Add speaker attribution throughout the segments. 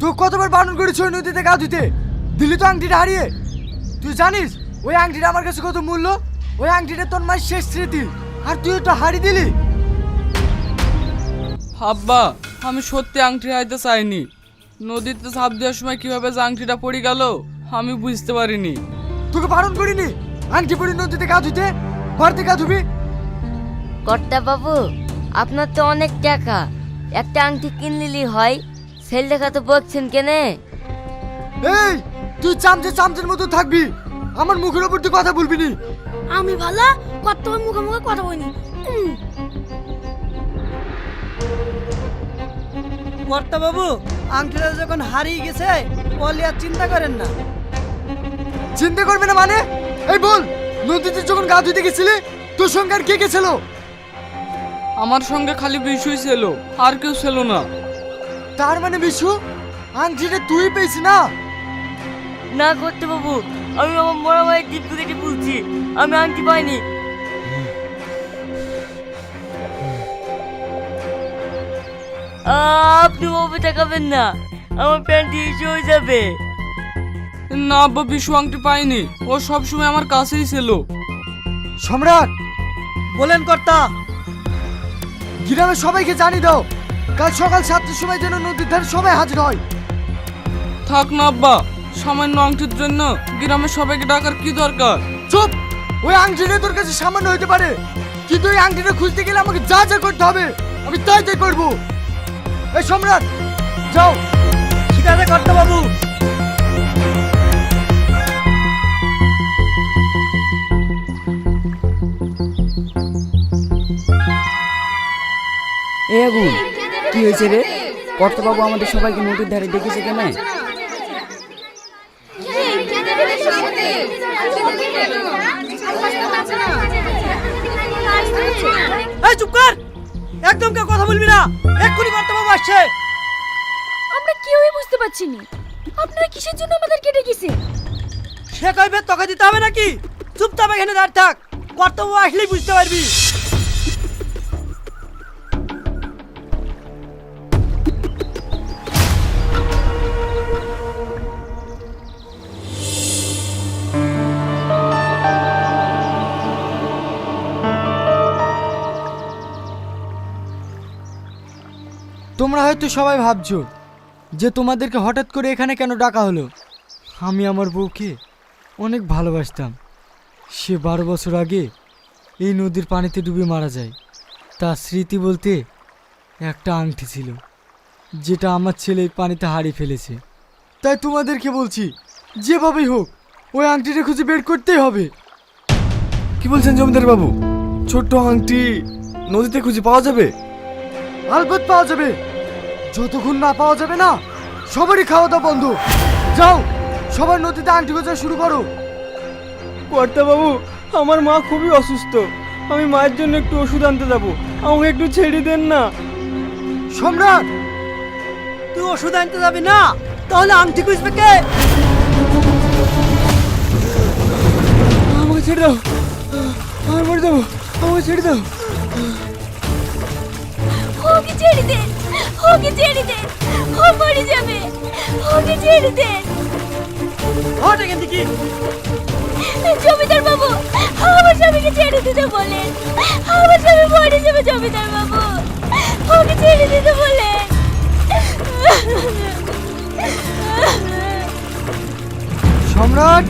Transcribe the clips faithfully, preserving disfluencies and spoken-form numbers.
Speaker 1: তো কতবার বারণ করেছি ওই নদীতে গা ধুতে, দিলি তো আংটিটা হারিয়ে। তুই জানিস ওই আংটিটা আমার কাছে কত মূল্য? ওই আংটিটা তোর মায়ের শেষ স্মৃতি, আর তুই ওটা হারিয়ে দিলি।
Speaker 2: আব্বা, আমি সত্যি আংটি হারাইতে চাইনি। নদীতে ঝাঁপ দেওয়ার সময় কিভাবে যে আংটিটা পড়ে গেল আমি বুঝতে পারিনি।
Speaker 1: তোকে বারণ করিনি আংটি পরে নদীতে গা ধুতে? বাড়িতে গা ধুবি।
Speaker 3: কর্তা বাবু, আপনার তো অনেক টাকা, একটা আংটি কিনলিলি হয়, সেল দেখা তো বলছেন কেনে?
Speaker 1: এই তুই চামচে চামচের মতো থাকবি, আমার মুখের উপর তুই কথা বলবি নি।
Speaker 4: আমি ভালো কত মুখে মুখে কথা বলিনি।
Speaker 5: কর্তা বাবু, আংটিটা যখন হারিয়ে গেছে বলি আর চিন্তা করেন না।
Speaker 1: চিন্তা করবি না মানে? এই বল, নদীতে যখন গা ধুতে গেছিলি তোর সঙ্গে আর কে কে ছিল?
Speaker 2: আমার সঙ্গে খালি বিশুই ছিল, আর কেউ ছিল না।
Speaker 1: তার মানে বিশু, আংটিটা তুই পেয়েছি না?
Speaker 3: না কর্তা বাবু, আমি আমার মরা ভাইয়ের টিপ কেটে বলছি, আমি আংটি পাইনি। আপনি বাবু তাকাবেন না, আমার প্যান্ট ইস্যু হয়ে যাবে।
Speaker 2: না আব্বা, বিশু আংটি পাইনি, ও সবসময় আমার কাছেই ছিল।
Speaker 1: সম্রাট,
Speaker 5: বলেন কর্তা।
Speaker 1: গ্রামের সবাইকে জানিয়ে দাও কাল সকাল সাতটার সময় যেন নদীর ধারে সবাই হাজির হয়।
Speaker 2: থাক না আব্বা, সামান্য আংটির জন্য গ্রামের সবাইকে ডাকার কি দরকার?
Speaker 1: চুপ! ওই আংটিটা তোর কাছে সামান্য হতে পারে, কিন্তু ওই আংটিটা খুঁজতে গেলে আমাকে যা যা করতে হবে আমি তাই তাই করবো। এই সম্রাট, যাও।
Speaker 5: ঠিক আছে কর্তা বাবু।
Speaker 6: এ আগুন, কি হয়েছে রে? কর্তাবাবু আমাদের সবাইকে নদীর ধারে ডেকেছে কেন?
Speaker 5: এই চুপ কর, একদম কেউ কথা বলবি না, এক্ষুনি কর্তা বাবু আসছে।
Speaker 4: আমরা কেউই বুঝতে পারছি না আপনারা কিসের জন্য আমাদেরকে ডেকেছেন।
Speaker 5: সে কইবে তোকে দিতে হবে নাকি? চুপচাপ এখানে দাঁড় থাক, কর্তা বাবু আসলেই বুঝতে পারবি।
Speaker 1: তোমরা হয়তো সবাই ভাবছো যে তোমাদেরকে হঠাৎ করে এখানে কেন ডাকা হলো। আমি আমার বউকে অনেক ভালোবাসতাম। সে বারো বছর আগে এই নদীর পানিতে ডুবে মারা যায়। তার স্মৃতি বলতে একটা আংটি ছিল, যেটা আমার ছেলে এই পানিতে হারিয়ে ফেলেছে। তাই তোমাদেরকে বলছি, যেভাবেই হোক ওই আংটিটা খুঁজে বের করতেই হবে।
Speaker 7: কি বলছেন জমিদার বাবু? ছোট্ট আংটি নদীতে খুঁজে পাওয়া যাবে?
Speaker 1: আলবত পাওয়া যাবে। যতক্ষণ না পাওয়া যাবে না, সবারই খাওয়া দাওয়া বন্ধ। যাও, সবার নদীতে আংটি খোঁজা শুরু করো।
Speaker 8: কর্তা বাবু, আমার মা খুবই অসুস্থ, আমি মায়ের জন্য একটু ওষুধ আনতে যাবো, আমাকে একটু ছেড়ে দেন না।
Speaker 1: সম্রাট,
Speaker 5: তুই ওষুধ আনতে যাবি না, তাহলে আংটি খুঁজবে কে?
Speaker 8: আমাকে ছেড়ে দাও, আমি মরে যাবো, আমাকে ছেড়ে দাও।
Speaker 4: ওকে ছেড়ে দেন, ওকে ছেড়ে দেন, ও মরে যাবে, ওকে ছেড়ে দেন।
Speaker 5: হট এখান থেকে।
Speaker 4: জমিদার বাবু, আমার স্বামীকে ছেড়ে দিতে বলেন, আমার স্বামী মরে যাবে। জমিদার বাবু, ওকে ছেড়ে দিতে বলেন।
Speaker 1: সম্রাট,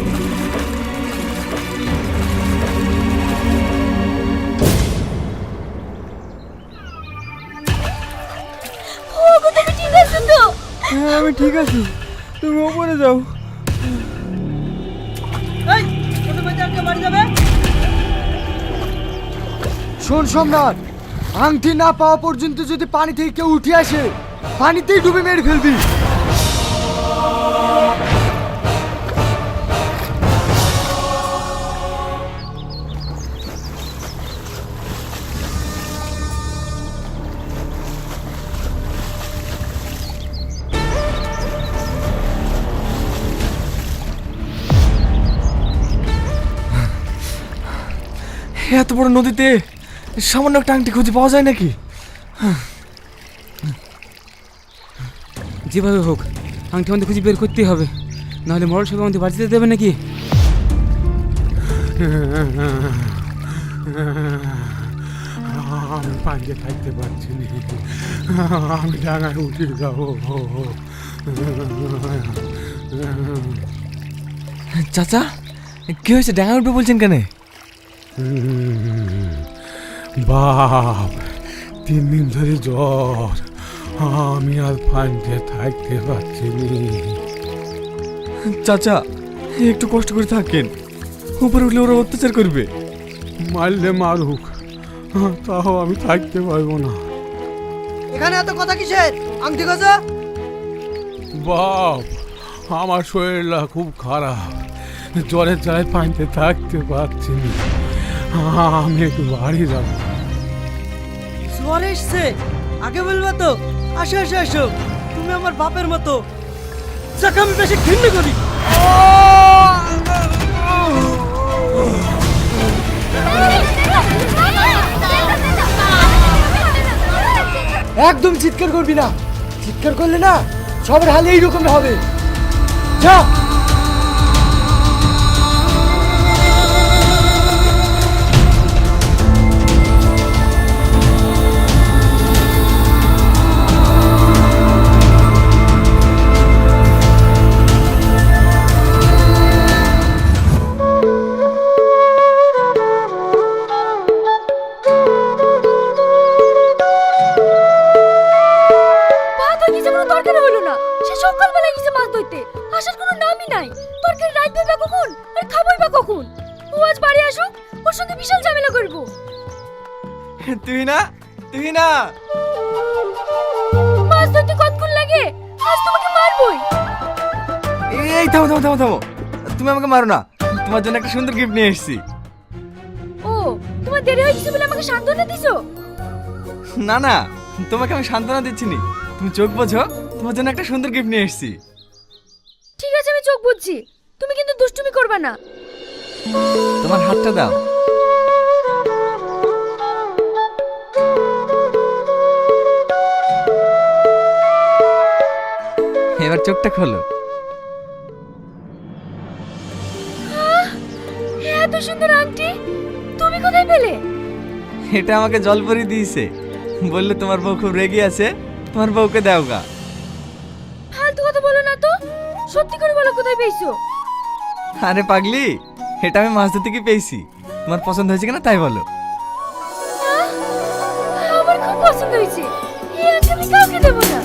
Speaker 4: ওগো, তুমি ঠিক আছো তো?
Speaker 8: হ্যাঁ আমি ঠিক আছি, তুমি ওপরে যাও।
Speaker 5: এই ছোট বাচ্চাকে বাড়ি যাবে।
Speaker 1: শোন সম্রাট, আংটি না পাওয়া পর্যন্ত যদি পানি থেকে কেউ উঠে আসে, পানিতেই ডুবে মেরে ফেলবি।
Speaker 7: এত বড় নদীতে সামান্য একটা আংটি খুঁজে পাওয়া যায় নাকি?
Speaker 6: যেভাবে হোক
Speaker 9: আংটি আমাদের খুঁজে বের করতেই হবে, নাহলে মরল সবাই আমাদের বাড়িতে দেবে নাকি?
Speaker 10: আমি পাঞ্জে থাকতে পারছি না, আমি ডাঙায় উঠে যাবো।
Speaker 7: চাচা কি হয়েছে, ডাঙা উঠবে বলছেন কেন?
Speaker 10: বাপ, তিন দিন ধরে জ্বর, আমি আর পাঞ্জে থাকতে পারছি না।
Speaker 7: চাচা একটু কষ্ট করে থাকেন, উপরে উঠলে ওরা অত্যাচার করবে।
Speaker 10: মারলে মারুক, তাও আমি থাকতে পারবো না।
Speaker 5: এখানে এত কথা কিসের? আংটি খোঁজো।
Speaker 10: বাপ, আমার শরীরটা খুব খারাপ, জ্বরের জ্বালায় পানিতে থাকতে পারছি না, আমি একটু বাড়ি যাব।
Speaker 5: জ্বর এসছে, আগে বলবো তো। আসো আসো আসো, তুমি আমার বাপের মতো, যাকে আমি বেশি ঘৃণা করি।
Speaker 1: একদম চিৎকার করবি না, চিৎকার করলে না সবার হালে এইরকম হবে। যা।
Speaker 4: ভাত হয়ে গেছে, কোনো তরকারি হলো না। সে সকালবেলা গেছে মাছ ধরতে, আসার কোনো নামই নাই। তরকারি রাখবে বা কখন আর খাবোই বা কখন? ও আজ বাড়ি আসুক, ওর সঙ্গে বিশাল ঝামেলা করবো।
Speaker 7: তুই না তুই না
Speaker 4: মাছ ধরতে কতক্ষণ লাগে? আজ তোমাকে মারবই।
Speaker 7: এই থামো থামো থামো থামো, তুমি আমাকে মারো না, তোমার জন্য একটা সুন্দর গিফট নিয়ে এসেছি।
Speaker 4: ও, তোমার দেরি হয়ে গেছে বলে আমাকে সান্ত্বনা দিছো?
Speaker 7: না না, তোমাকে আমি সান্ত্বনা দিচ্ছি নি, তুমি চোখ বোঝো, তোমার জন্য একটা সুন্দর গিফট নিয়ে এসেছি।
Speaker 4: ঠিক আছে, আমি চোখ বুঝছি, তুমি কিন্তু দুষ্টুমি করবে না।
Speaker 7: তোমার হাতটা দাও। এবার চোখটা খোলো।
Speaker 4: এত সুন্দর আংটি তুমি কোথায় পেলে?
Speaker 7: এটা আমাকে জলপরি দিয়েছে, বললে তোমার বউ খুব রেগে আছে, তোমার বউকে দাও গা।
Speaker 4: ফালতু কথা বলো না তো, সত্যি করে বলো কোথায় পেয়েছো?
Speaker 7: আরে পাগলি, এটা আমি মাছ ধরতে গিয়ে পেয়েছি, তোমার পছন্দ হয়েছে কিনা তাই বলো।
Speaker 4: আহ, আমার খুব পছন্দ হয়েছে, এই আংটি আমি কাউকে দেবো না।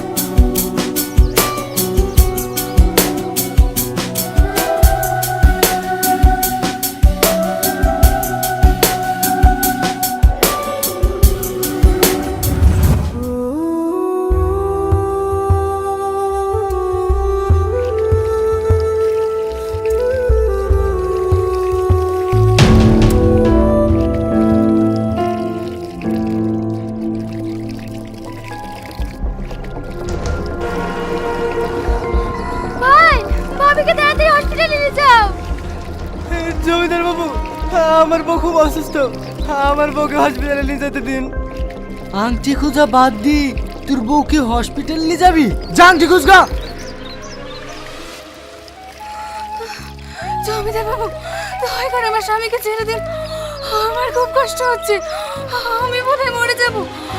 Speaker 4: ভাই, ভাবিকে তাড়াতাড়ি হসপিটালে নিয়ে যাও।
Speaker 8: জমিদার বাবু, আমার বউ খুব অসুস্থ, আমার বউকে হসপিটালে নিয়ে যেতে দিন।
Speaker 1: আংটি খোঁজা বাদ দি, তোর বউকে হসপিটাল নিয়ে যাবি? যা আংটি খুঁজগা।
Speaker 4: জমিদার বাবু, দয়া করে আমার স্বামীকে ছেড়ে দিন, আমার খুব কষ্ট হচ্ছে, আমি বোধহয় মরে যাব।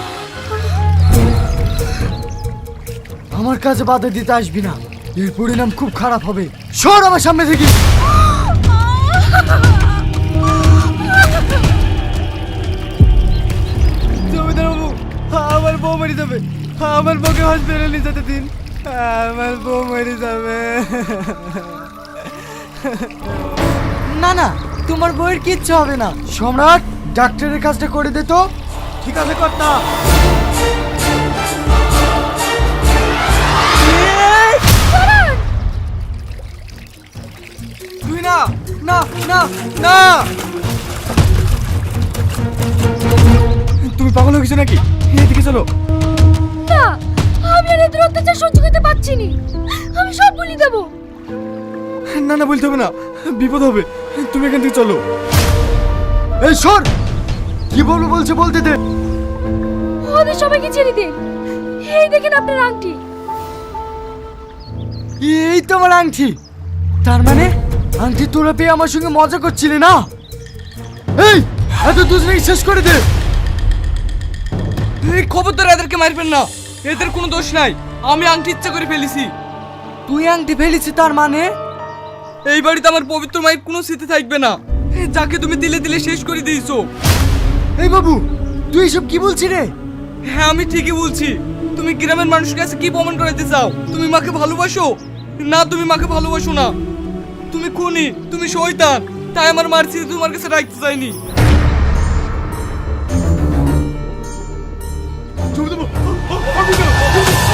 Speaker 1: আমার কাছে বাধা দিতে আসবি না, এর পরিণাম খুব খারাপ হবে। সর আমার সামনে থেকে।
Speaker 8: জমিদার বাবু, আমার বউ মরে যাবে, আমার বউকে হসপিটালে নিয়ে যেতে দিন, আমার বউ মরে যাবে।
Speaker 1: না না, তোমার বউয়ের কিচ্ছু হবে না। সম্রাট, ডাক্তারের কাজটা করে দে তো।
Speaker 5: ঠিক আছে কর্তা।
Speaker 7: তুই না না না না, তুমি পাগল হয়ে গেছো নাকি? এদিকে চলো।
Speaker 4: না, আমি আর এদের অত্যাচার সহ্য করতে পারছি না, আমি সব বলে দেবো।
Speaker 7: না না, বলতে হবে না, বিপদ হবে, তুমি এখান থেকে চলো।
Speaker 1: এই সর, কি বলবো বলছে বলতে দে।
Speaker 4: ওদের সবাইকে ছেড়ে দিন, এই দেখেন আপনার আংটি।
Speaker 1: এই তো আমার আংটি। তার মানে আংটি তোরা পেয়ে আমার সঙ্গে মজা করছিলি না? এই এত দুজনেই শেষ করে দে।
Speaker 2: এই খবরদার এদেরকে মারবেন না, এদের কোনো দোষ নাই, আমি আংটি ইচ্ছা করে ফেলেছি।
Speaker 1: তুই আংটি ফেলেছি তার মানে?
Speaker 2: এই বাড়িতে আমার পবিত্র মায়ের কোনো স্মৃতি থাকবে না, যাকে তুমি দিলে দিলে শেষ করে দিয়েছো।
Speaker 1: এই বাবু তুই এসব কি বলছিস রে?
Speaker 2: হ্যাঁ আমি ঠিকই বলছি। তুমি গ্রামের মানুষের কাছে কি প্রমাণ করাতে চাও? তুমি মাকে ভালোবাসো? না, তুমি মাকে ভালোবাসো না, তুমি খুনি, তুমি শয়তান। তাই আমার মার স্মৃতি তোমার কাছে রাখতে চাইনি।
Speaker 10: জমিদার বাবু, আমি না